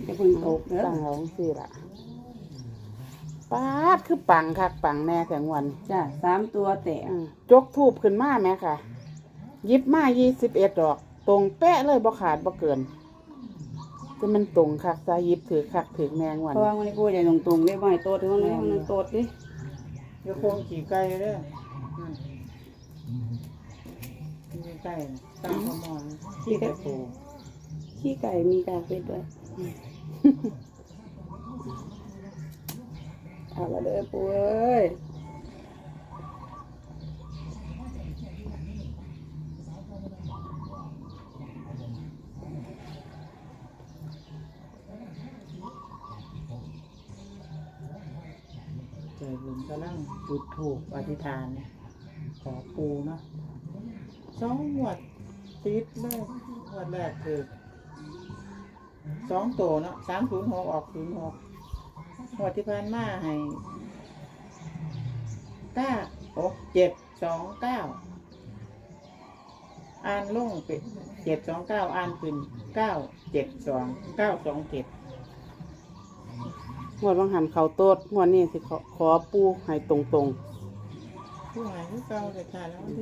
จะเพิ่งตกเด้อตั้งเอาสิล่ะป๊าดคือปังคักปังแน่แสงวันจ้ะ3ตัวแตกจกทูบขึ้นมาแม่ค่ะหยิบมา21 ดอกตรงเป๊ะเลยบ่ขาดบ่เกินจะมันตรงคักซะหยิบถือคักถือแมงวันเพราะว่าวันนี้กูจะตรงๆได้บ่ให้โตดถึงวันนี้มันโตดดิเดี๋ยวโคงขี่ไก่เด้อขี่ไก่ตั้งขมอนขี่ไก่ปูขี้ไก่มีกากเป็ดด้วยเอาละเด้อปูเอ้ยใจบุญกำลังจุดถูกอธิษฐานขอปูเนาะ2 งวดติดเลยงวดแรกคือ2 ตัวเนาะ306ออก06งวดที่ผ่านมาให้729อ่านลงเป็น729อ่านขึ้น972 927 งวดบางหันเขาโตดงวดนี้สิขอปูให้ตรงผู้หายที่เก่าแต่ขาดแล้ววันที่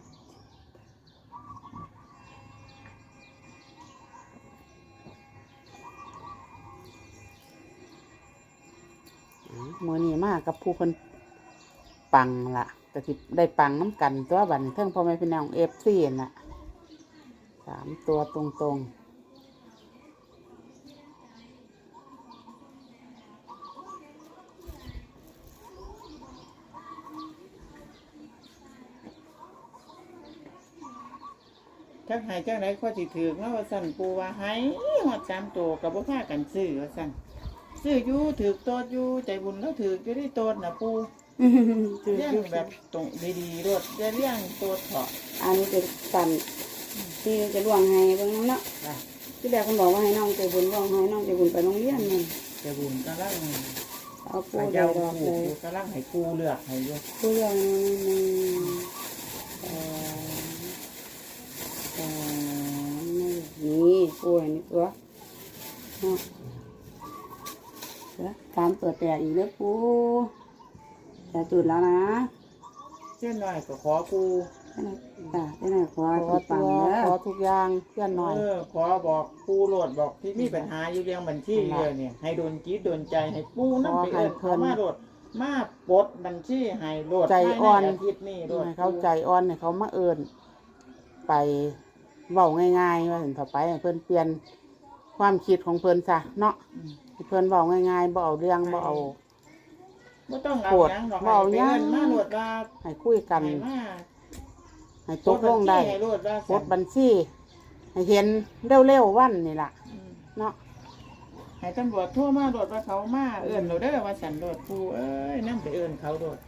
ๆมื้อนี้มากับผู้เพิ่นปังล่ะก็สิได้ปังน้ำกันตัวบัดนี้เทิงพ่อแม่พี่น้อง FC น่ะ3 ตัวตรงๆจักหายจักไหนข้อสิถือเนาะว่าสั่นปูว่าหายหอด3 ตัวกับบ่พากันซื้อว่าสั่นซื้ออยู่ถือโตดอยู่ใจบุญแล้วถืออยู่ได้โตดน่ะปูเลี้ยงแบบตรงดีๆรถอย่าเลี้ยงโตดเถาะอันนี้เป็นสั่นที่จะล่วงให้เบิ่งน้ำเนาะจ้ะที่แรกคุณบอกว่าให้น้องใจบุญล่วงให้น้องใจบุญไปโรงเรียนนี่ใจบุญกำลังเอาปูให้เดียเจ้าวดอกปูเลยอยู่กำลังให้ปูเลือกให้อยู่ปูเดียวนี่ปูอันนี้ตัวเนาะ3 ตัวแตกอีกแล้วปูจะจุดแล้วนะเส้นน้อยก็ขอปูจ้ะได้ไหนขอขอปัตังวเด้อขอทุกอย่างเพื่อนหน่อยขอบอกปูโหลดบอกที่มีปัญหาอยู่เรื่องบัญชีเลยเนี่ยให้โดนจิตโดนใจให้ปูนั่นไปเอิ้นเขามาโหลดมาปลดบัญชีให้โหลดใจอ่อนภายในอาทิตย์นี้โหลดให้เขาใจอ่อนให้เขามาเอิญไปเว้าง่ายๆว่าถึงต่อไปให้เพิ่นเปลี่ยนความคิดของเพิ่นซะเนาะให้เพิ่นเว้าง่ายๆบ่เอาเรื่องบ่เอาบ่ต้องเอาหยังหรอกบ่เอาให้หยังเอิ้นมาโหลดว่าให้คุยกันให้มาให้ตกลงได้ให้โหลดว่าปลดบัญชีให้เห็นเร็วๆวันนี่ล่ะเนาะให้ตำรวจโทรมาโหลดว่าเขามาเอิ้นเราเด้อว่าสันโหลดปูเอ้ยนำไปเอิ้นเขาโหลด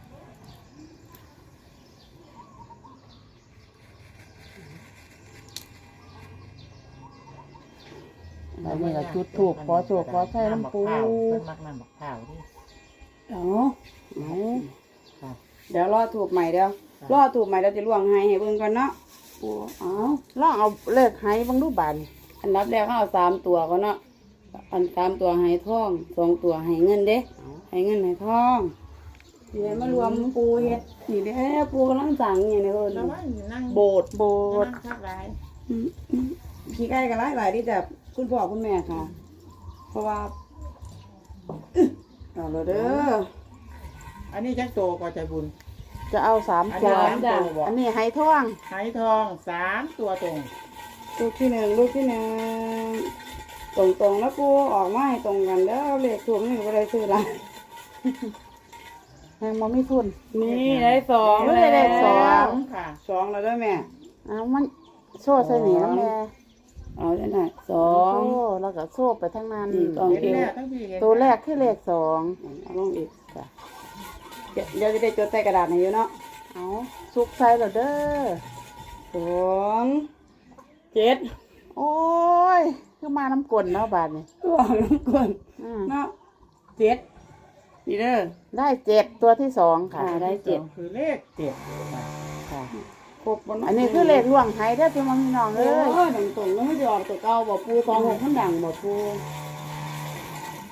แล้วนี่ก็จุดถูกขอโชคขอใช้น้ำปูเพิ่นมักน้ำบักข้าวดิเอาเอาครับเดี๋ยวรอถูกใหม่เดี๋ยวรอถูกใหม่เราจะล่วงให้เบิ่งก่อนเนาะปูเอาลองเอาเลขให้เบิ่งดูบาดนี่อันดับแรกเขาเอา3 ตัวก่อนเนาะอัน3 ตัวให้ทอง2 ตัวให้เงินเด้ให้เงินให้ทองเดี๋ยวมารวมปูเฮ็ดนี่เด้ปูกำลังสั่งอย่างนี้เพิ่นแล้วว่านั่งโบสถ์โบนั่ดงทักหลายขี้ไก่กันหลายๆที่แต่คุณพ่อคุณแม่ค่ะ เพราะว่าเอาเลยเด้ออันนี้จักโตก็ใจบุญจะเอา3 อันตันี้ว 3 ตัวบอกอันนี้ให้ท่วงไหทอง3 ตัวตรงลูกที่1ลูกที่1ตรงๆแล้วปูออกมาให้ตรงกันเด้อเลขถูกนี่ก็ได้ซื้อละยังบ่มีทุนนี่ได้2 ไม่ได้เลขสองค่ะ 2แล้วเด้อแม่เอามันโซ่ใส่หนีแล้วแม่เอาได้หน่อยโซ่แล้วก็โซ่ไปทั้งนั้นต้องเห็นแรกทั้งพี่เห็นตัวแรกคือเลข2 เอาลงอีกจ้ะเดี๋ยวจะได้จดใส่กระดาษให้อยู่เนาะเอาสุกใส่แล้วเด้อ 2 7 โอ้ยคือมาน้ำกลนเนาะบาดนี่ตัวน้ำก่อน เนาะ7นี่เด้อได้7ตัวที่2ค่ะได้คือเลข7 ค่ะครบบ่อันนี้คือเลขล่วงไห้เด้อพี่น้องพี่น้องเอเอ้ยอตรงๆแล้วไม่ยอมตัวเก่าบ่ปู26มันดังบ่ปู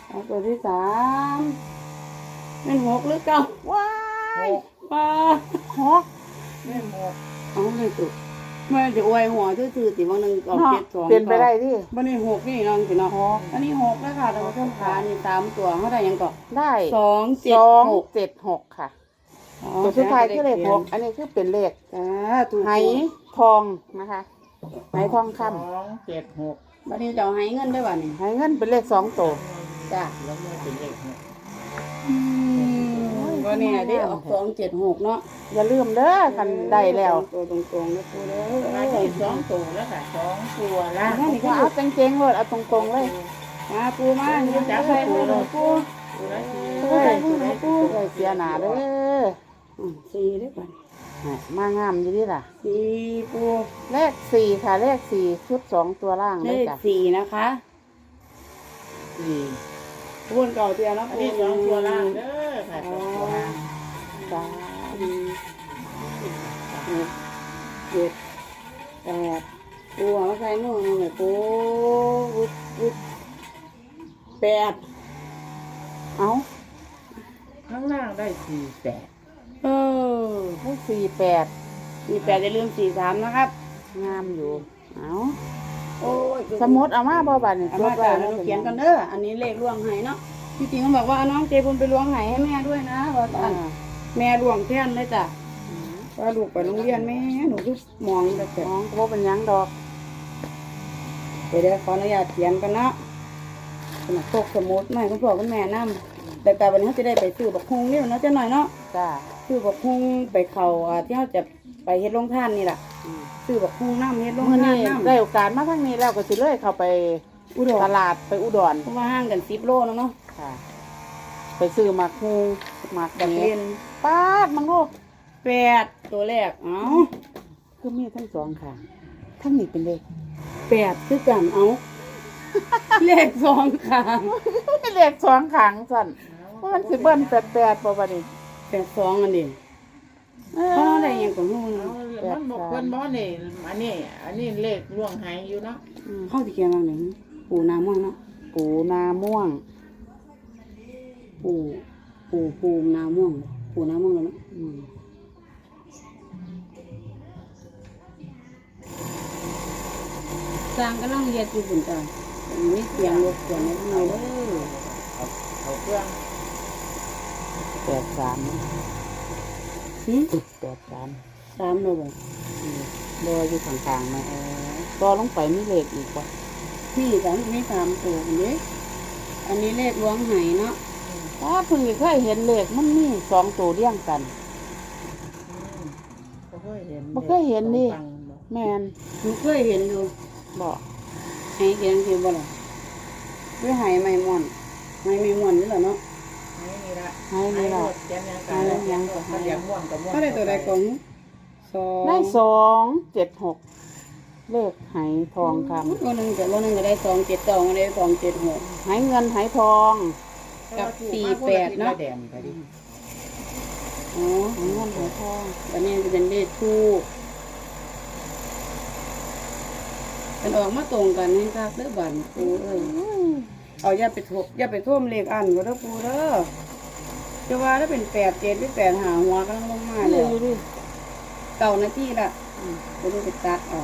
เอาตัวที่สามเป็นหกหรือเก้าว้ายป้าหกเล่นหกเอาเลยตุมันจะอวยหัวซื่อๆติบางหนึ่งออกเนาะ 7-2 เป็นไปได้ที่บันนี้หกนี่น้องสิเนาะอันนี้หกแล้วค่ะเราเพิ่มขานี่3ตัวเขาได้ยังก่อนได้ 2-7-6 2-7-6ค่ะตัวสุดท้ายคือเลขหกอันนี้คือเป็นเลขจ้าถูกไหทองนะคะไหทองค 2-7-6 บันนี้จะเอาให้เงินได้บ่นี่ำไหเงินเป็นเลข2 ตัวจ้าแล้วมันเป็นเลขหกก็เนี่ยได้ออก2-7-6เนาะอย่าลืมเด้อคันได้แล้วตัวตรงๆนะปูเด้มาที่2ตัวแล้วค่ะ2ตัวละก็เอาเจ๋งๆเลยเอาตรงๆเลยมาปูมาเนี่ยจับไปปูเลยปูตัวละสี่เฮ้ยได้เสียหนาเด้อสี่ได้ป่ะมางามอยู่นี่ล่ะสี่ปูเลข4ค่ะเลข4ชุด2ตัวล่างเลเลยขจ้ะสี่นะคะ 4 วนเก่าเตียนะอันปูนี้2ตัวล่างเด้อค่ะ2ตัวล่างจ้า 7 8ปูเอามาใส่มือหน่อยปูวุด8 เอาข้างล่างได้48 เออให้48 มี8อย่าลืม43นะครับงามอยู่เอาโอ้ยสมุดเอามาบ่บัดนี่เอามาจากเราเขียนกันเด้ออันนี้เลขล่วงไหเนาะที่จริงเขาบอกว่าเอาน้องเจบุญไปล่วงไหให้แม่ด้วยนะว่าอันแม่ล่วงแทนเลยจ้ะว่าลูกไปโรงเรียนแม่หนูก็มองแต่น้องก็บ่เป็นหยังดอกไปได้ขออนุญาตเขียนกันเนาะขนาดพกสมุดไม่คุณพ่อคุณแม่นำแต่วันนี้เขาจะได้ไปซื้อบักฮุงนี่เนาะจะหน่อยเนาะจ้าซื้อบักฮุงไปเขาที่เขาจะไปเฮ็ดโรงทานนี่แหละซื้อบักฮุงน้ำเฮ็ดโรงมื้อทานนี้น้ำได้โอกาสมาทางนี้แล้วก็สิเลยเข้าไปอุดรตลาดไปอุดรเพราะว่าห่างกัน10 โลเนาะค่ะ ไปซื้อหมากฮูหมากกับเนี้เล่นป้าดมังลูก 8ตัวแรกเอ้าคือมีทั้งสองค่ะทั้งนี้เป็นเลข 8คือกันเอ้าเลข2ค่ะเลข2ขังสั่นว่ามันสิเบิ้ล88บ่บัดนี้ 82อันนี้เขาได้หยังก็ฮู้เอาเนาะมันบอกเพิ่นบ่นี่อันนี้เลขล่วงหายอยู่เนาะเขาสิเขียนว่าหยังปูนาม่วงเนาะปูนาม่วงปูนาม่วงปูนาม่วงเลยเนาะอืมสร้างกำลังเฮ็ดอยู่พุ่นจ้ะมีเสียงรบกวนนิดหน่อยเด้อเอาเครื่อง 83 หึ 83 3โลบ่รออยู่ข้างๆนะรอลงไปมีเลขอีกบ่นี่จ้ะมี3ตัวพุ่นเด้อันนี้เลขล้วงไหเนาะถ้าเพิ่งเคยเห็นเลขมันมี2ตัวเรียงกันบ่เคยเห็นบ่เคยเห็นนี่ฟังบ่แม่นหนูเคยเห็นอยู่บ่ให้เขียนคือบ่ล่ะด้วยไหไม่ม่วนไหไม่ม่วนนี่แหละเนาะให้นี่ละให้นี่ล่ะเขียนยังกันแล้วยังก็เรียกม่วนกับม่วนเขาได้ตัวใดของได้276เลขไหทองคำตัวหนึงก็ได้272ก็ได้276 ไหเงินไหทองกับ48เนาะแดงก็ดิอ๋อไหเงินไหทองอันนี้จะเป็นเลขทูปมันออกมาตรงกันนี่ครับเด้อบันปูเอ้ยเอาอย่าไปท่วมเลขอันก็เด้อปูเด้อจะว่าถ้าเป็น87หรือ85หัวกำลังลงมาเลเลยยดิเก่านาทีละบ่รู้ไปตัดออก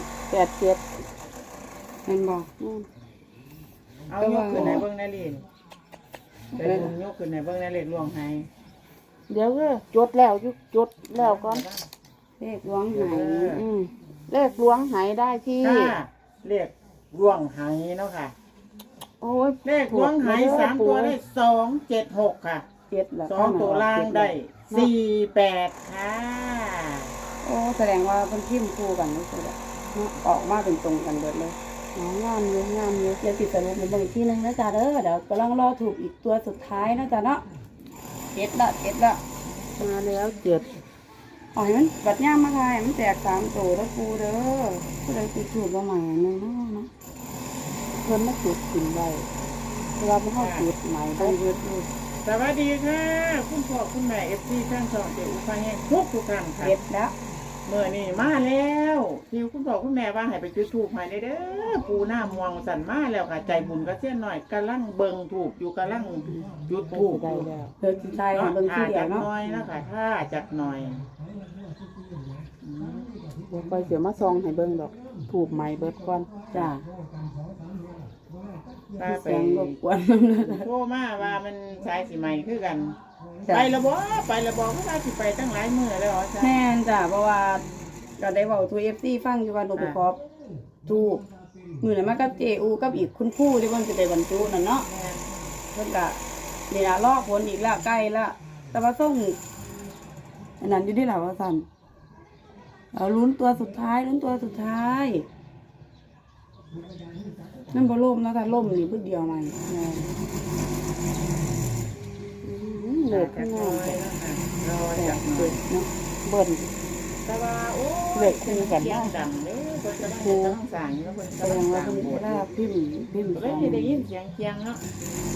87 แม่นบ่เอายกขึ้นในเบิ่งในลีนไปบุญยกขึ้นในเบิ่งในเลขล่วงหายเดี๋ยวก็จดแล้วจดแล้วก่อนเลขล้วงไหอืมเลขล้วงไหได้ที่ค่ะเลขล่วงหายเนาะค่ะโอ้ยเลขล่วงหาย3ตัวได้276ค่ะ 7ละ 2ตัวล่างได้48ค่ะโอ้แสดงว่าเพิ่นพิมพ์คู่กันนี่คือแบบออกมาเป็นตรงกันเบิดเลยงามอยู่เดี๋ยวติดสรุปในเบิ่งอีกทีหนึงนะจ๊ะเด้อเดี๋ยวกำลังรอถูกอีกตัวสุดท้ายนะจ๊ะเนาะเจ็ดละมาแล้ว7 อ๋อให้มันบัดย่ามมาทายให้มันแตก3ตัวแล้วปูเด้อผู้ใดติดถูกบ่ใหม่นึงเนาะเพิ่นมาจุดกินไว้เวลาบ่เฮาจุดใหม่ไปได้เบิดเลยสวัสดีค่ะ คุณพ่อคุณแม่ FC ทั้งสองเจ้าอุปาแห่งทุกท่านค่ะเจ็ดแล้วเมื่อนี่มาแล้วที่คุณพ่อคุณแม่ว่าให้ไปจุดธูปให้ได้เด้อปูหน้ามวงสั่นมาแล้วค่ะใจบุญก็เสี้ยนหน่อยกำลังเบิ่งถูกอยู่กำลังจุดธูปได้แล้วเพิ่นสิทายให้เบิ่งทีเดียจัวกเนาะหน่อยแล้วค่ะถ้าจักหน่อยบ่ค่อยเสียมาซองให้เบิ่งดอกถูกไหมเบิดก่อนจ้าตาไปเสียงรบกวนนำเลยโทรมาว่ามันสายสิใหม่คือกันจ้ะไปละบ่ไปละบ่เพราะว่าสิไปตั้งหลายมื้อแล้วเหรอจ๊ะแม่นจ้ะเพราะว่าก็ได้เว้าทู FC ฟังอยู่ว่าหนูไปขอทูบมื้อนั้นมากับเจอูกับอีกคุณครูที่เพิ่นสิได้บรรจุนั่นเนาะแม่นเพิ่นก็นี่ล่ะรอผลอีกแล้วใกล้แล้วแต่ว่าส่งอันนั้นอยู่ที่ล่ะว่าซั่นเอาลุ้นตัวสุดท้ายลุ้นตัวสุดท้ายนั่นบ่ล่มนะถ้าล่มนี่พึ่เดียวใหม่เลิกจัข้างกหหน้าน่อยแล้วค่ะรอจักหน่อยเนาะเบิ่นแต่ว่าโอ้เลิกคู่กันเสียเนาะงดังเด้อเพิ่นก็ต้องสร้างอยู่เพิ่นแสก็ดต้องงสว่าร้างเพิ่นโบสถ์ได้พิมพ์เลยสิได้ยินเสียงเคียงเนาะ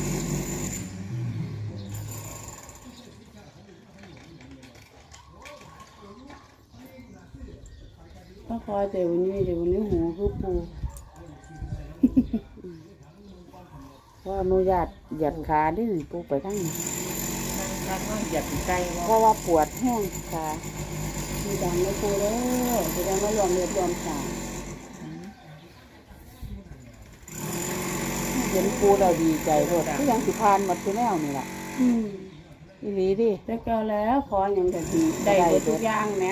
ก็คอยแต่วันนี้หูคือปูขออนุญาตเหยียดขาดิปูไปทั้งนี้มันว่าเหยียบไกลเพบ่ราะว่าปวดแห้งขามีดังไม่ปูเด้อแสดงว่ายอมเรียบยอมสางเห็นปูเราดีใจโลดคือยังสิพานหมดคือแนวนี่ล่ะอีหลีดิแต่ก็แล้วขออย่างแต่ดีได้หมดทุกอย่างแหม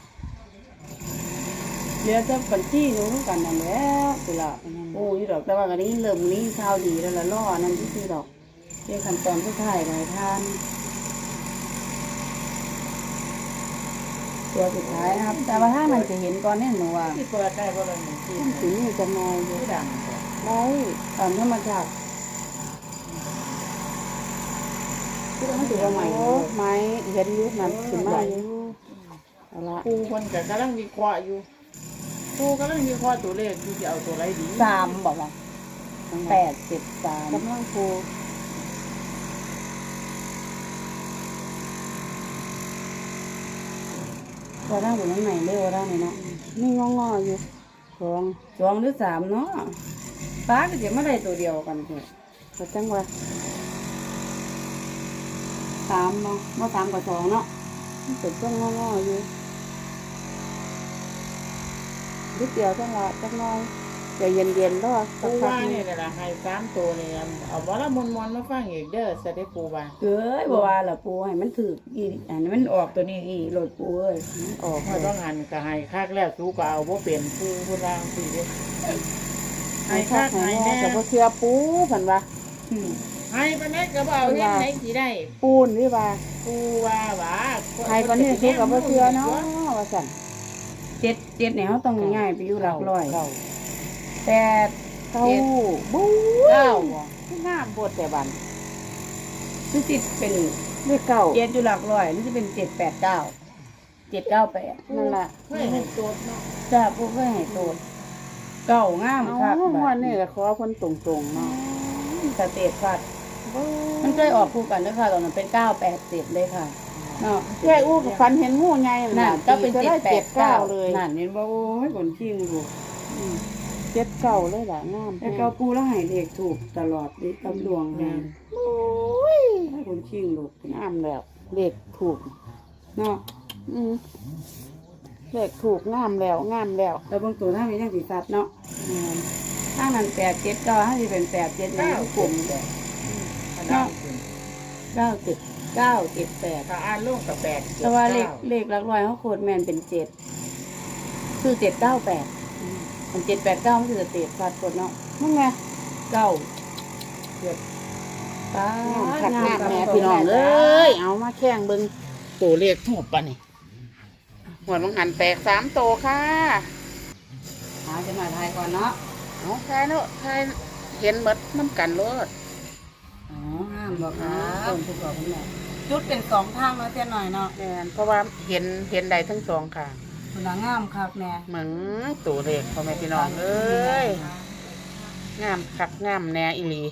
เหลือแต่บัญชีหนูคือกันนั่นแหล้วสิล่ะโอ้ยดอกแต่ว่าก็นี้เริ่มนี้ข่าวดีแล้วล่ะล่อนั่นที่คือดอกเรียกขั้นตอนสุดท้ายหลายท่านตัวสุดท้ายนะครับ แต่ว่าถ้ามันจะเห็นก่อนเนี่ยหนูว่าที่เปิดได้บ่ล่ะนี่ที่สิมีจะนอยอยู่ที่ดังบ่ได้ตอนธรรมชาติที่เราไม่ถือว่าใหม่โอ้ไม้เห็นอยู่นั่นขึ้นมาอยู่เอาละปูเพิ่นก็กำลังวิเคราะห์อยู่ปูกำลังวิเคราะห์ตัวเลขอยู่สิเอาตัวไหนดี 3บอกว่า873 กำลังปูตัวร่างอยู่ข้างในเร็วร่างเลยเนาะนี่งอๆอยู่สอง 2หรือ3เนาะฟ้าก็จะไม่ได้ตัวเดียวกันเถอะก็จังว่า 3เนาะเมื่อ3กับ2เนาะมันเป็นต้นงอๆอยู่นิดเดียวจังละจังน้อยใจเย็นๆแล้วสัปูกพัว่ากหนี่นึ่งแหละให้3ตัวนี่เอาบ่ละมนๆมาฟังอีกเด้อสะได้ปูว่าเอ้ยบ่ว่าล่ะปูให้มันถืออีอันนี้มันออกตัวนี้อีโหลดปูเอ้ยออกพอต้องหันก็ให้คักแล้วสู้ก็เอาบ่เป็นปูพุ่นว่าสิเด้อให้ให้คัคักกให้ให้แน่แน่แต่พอเชื่อปูผันว่าอืมให้ปานนี้ก็บ่เอาเฮ็ดไหนสิได้ปูนนี่ว่าปูว่าหว่าให้ปานนี้คือกับพอเชื่อเนาะว่าสั่น 7เนี่ยเขาต้องง่ายๆไปอยู่หลักร้อยเก้าแต่เก้าบู๊ 9บ่งามบดแต่บันคือสิเป็นเลขเก้า 7อยู่หลักร้อยนี่จะเป็น789 798 นั่นล่ะเฮ้ยให้ตัวเนาะจ้าปูก็ให้โตดเก้างามเอาคักงบัวดดนี่ก็ขอเพิ่นตรงๆเนาะสเตตฟัดมันเคยออกคู่กันด้วยค่ะตอนนั้นเป็น987เลยค่ะเนาะแค่อู้กับฟันเห็นงูใหญ่นั่นก็เป็นจะได้7-9 789 เลยนั่นเห็นบ่โอ้ยคนขี้งลูก 7-9เลยล่ะงามแต่เก้าปูแล้วให้เลขถูกตลอดนี่ตำดวงงานโอ้ยคนขี้งลูกงามแล้วเลขถูกเนาะอืมเลขถูกงามแล้วงามแล้วแล้วเบางตัวทางนี้ยังสิสัตว์เนาะทางนั้น879ทางนี้เป็น87นี่กลุ่มเนาะ97978 ถ้าอ่านลงกับ8 แต่ว่าเลขหลักร้อยเขาโคตรแม่นเป็น7คือ798มัน789มันคือสเตตฟัดกดเนาะนั่นไงเก้าเจ็ดตางามคักงามแม่พี่น้องเอ้ยเอามาแข่งเบิ่งตัวเลขถูกปะนี่หัวมังหันแตก3ตัวค่ะหาจะมาทายก่อนเนาะเอาทายเนาะทายเห็นหมดน้ำกันโลดอ๋อห้ามบอกนะต้นทุกดอกคุณแม่จุดเป็น2ทางเนาะเส้นหน่อยเนาะแม่นเพราะว่าเห็นใดทั้งสองค่ะคุณงามคักแม่เหมือนตัวเลขพ่อแม่พี่น้องเอ้ยงามคักงามแน่อีหลี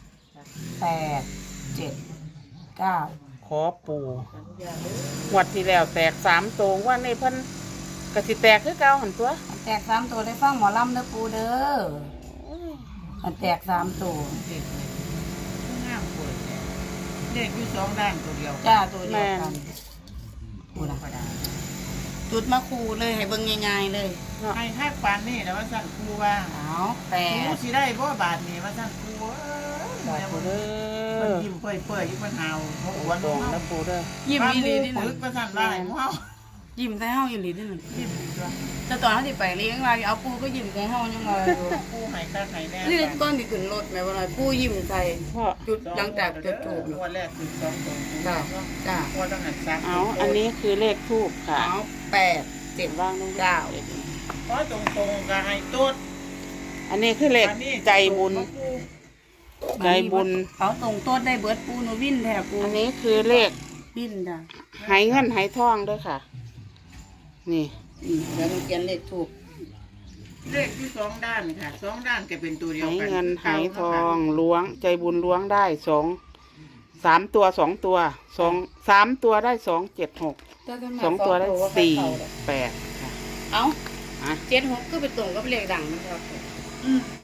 8 7 9 ขอปูงวดที่แล้วแตก3ตัวว่าในเพิ่นก็สิแตกคือเก่าหั่นตัวแตก3ตัวได้ฟังหมอลำเด้อปูเด้อมันแตก3ตัวเด็กเลยงามเปิดเด็กอยู่2ด้านตัวเดียวจ้าตัวเดียวกันปูธรนะรมดาจุดมาคูเลยให้เบิ่งง่ายๆเลยให้ทักปานนี่แล้วว่าสั่นครูว่าเอาแปครูดสิได้บ่บาทนี่ว่าสั่นครูเอ้ยบอกแม่ปูบ่เด้เพิ่นอยิ้มเปื่อยๆอยู่เพิ่นหาวหัวอ้วนตรงเฮานะปูเด้อยิ้มอีหลีนี่ปึน่ะกว่าสั่นได้เฮายิ้มใส่เฮาอีหลีนี่น่ะยิ้มดีกว่าแต่ตอนเฮาสิไปเลี้ยงว่าเอาปูก็ยิ้มใส่เฮายังไงอยู่ครูให้คักให้แน่นี่ตอนที่ขึ้นรถแม่ว่าหน่อยปูยิ้มใส่พ่อจุดหลังจากจุดถูกวันแรกคือ2ตัวจ้าจ้าวันต้องหันซักเอาอันนี้คือเลขทูบค่ะเอา8 7 ว่างลง 9 ขอตรงๆก็ให้ตุ๊ดอันนี้คือเลขใจบุญ ใจบุญเอาตรงโต๊ดได้เบิดปูหนูวินแท้ปูอันนี้คือเลขวินจ้ะหายเงินหายทองด้วยค่ะ นี่เดี๋ยวมันเขียนเลขถูกเลขที่2ด้านค่ะ2ด้านก็เป็นตัวเดียวหายกันเงินหายทองล้วง ใจบุญล้วงได้3 ตัว2 ตัว3 ตัวได้276 2 ตัวได้48ค่ะเอาอ่ะ 76ก็ไปตรงกับเลขดังนะครับอืม